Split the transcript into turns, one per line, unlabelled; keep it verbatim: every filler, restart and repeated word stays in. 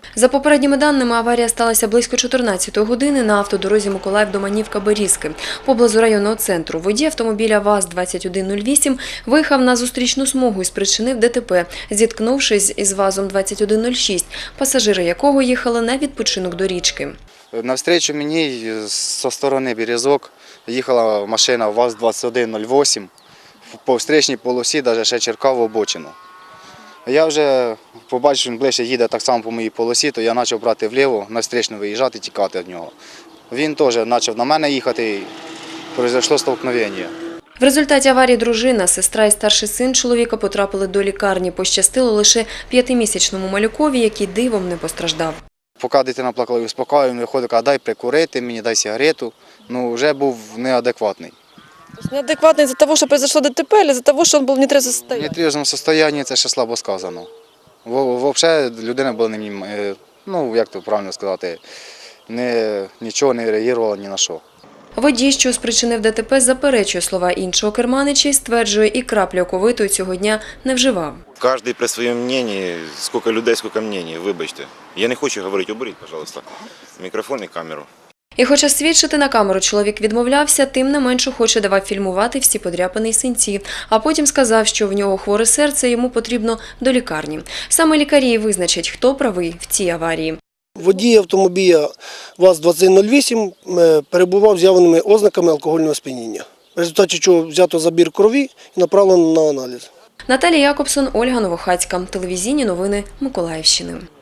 За попередніми даними, аварія сталася близько чотирнадцятої години на автодорозі Миколаїв-Доманівка-Берізки. Поблизу районного центру водій автомобіля ВАЗ двадцять один нуль вісім виїхав на зустрічну смугу і спричинив ДТП, зіткнувшись із ВАЗом двадцять один нуль шість, пасажири якого їхали на відпочинок до річки.
Навстрічу мені зі сторони Березок їхала машина ВАЗ двадцять один нуль вісім. По встречній полосі навіть ще черкав в обочину. Я вже побачив, що він ближче їде так само по моїй полосі, то я почав брати вліво, на встречну виїжджати, тікати від нього. Він теж почав на мене їхати і пройшло столкновення.
В результаті аварії дружина, сестра і старший син чоловіка потрапили до лікарні. Пощастило лише п'ятимісячному малюкові, який дивом не постраждав.
Поки дитина плакала і успокоював, він виходить, каже, дай прикурити мені, дай сигарету. Ну, вже був неадекватний.
Неадекватний за того, що произошло ДТП, чи за того, що він був в нетрезвому
В
стані?
нетрезвому стані це ще слабо сказано. Взагалі людина була, ну, як то правильно сказати, не, нічого не реагувала ні на що.
Водій, що спричинив ДТП, заперечує слова іншого керманича і стверджує, і краплі оковитої цього дня не вживав.
Кожен при своєму мненні, скільки людей, скільки мнень, вибачте. Я не хочу говорити, уберіть, будь ласка, мікрофон і камеру.
І хоча свідчити на камеру чоловік відмовлявся, тим не менше хоче давав фільмувати всі подряпини й синці. А потім сказав, що в нього хворе серце, йому потрібно до лікарні. Саме лікарі визначать, хто правий в цій аварії.
Водій автомобіля ВАЗ двадцять один нуль вісім перебував з явними ознаками алкогольного сп'яніння, в результаті чого взято забір крові і направлено на аналіз.
Наталія Якобсон, Ольга Новохацька. Телевізійні новини Миколаївщини.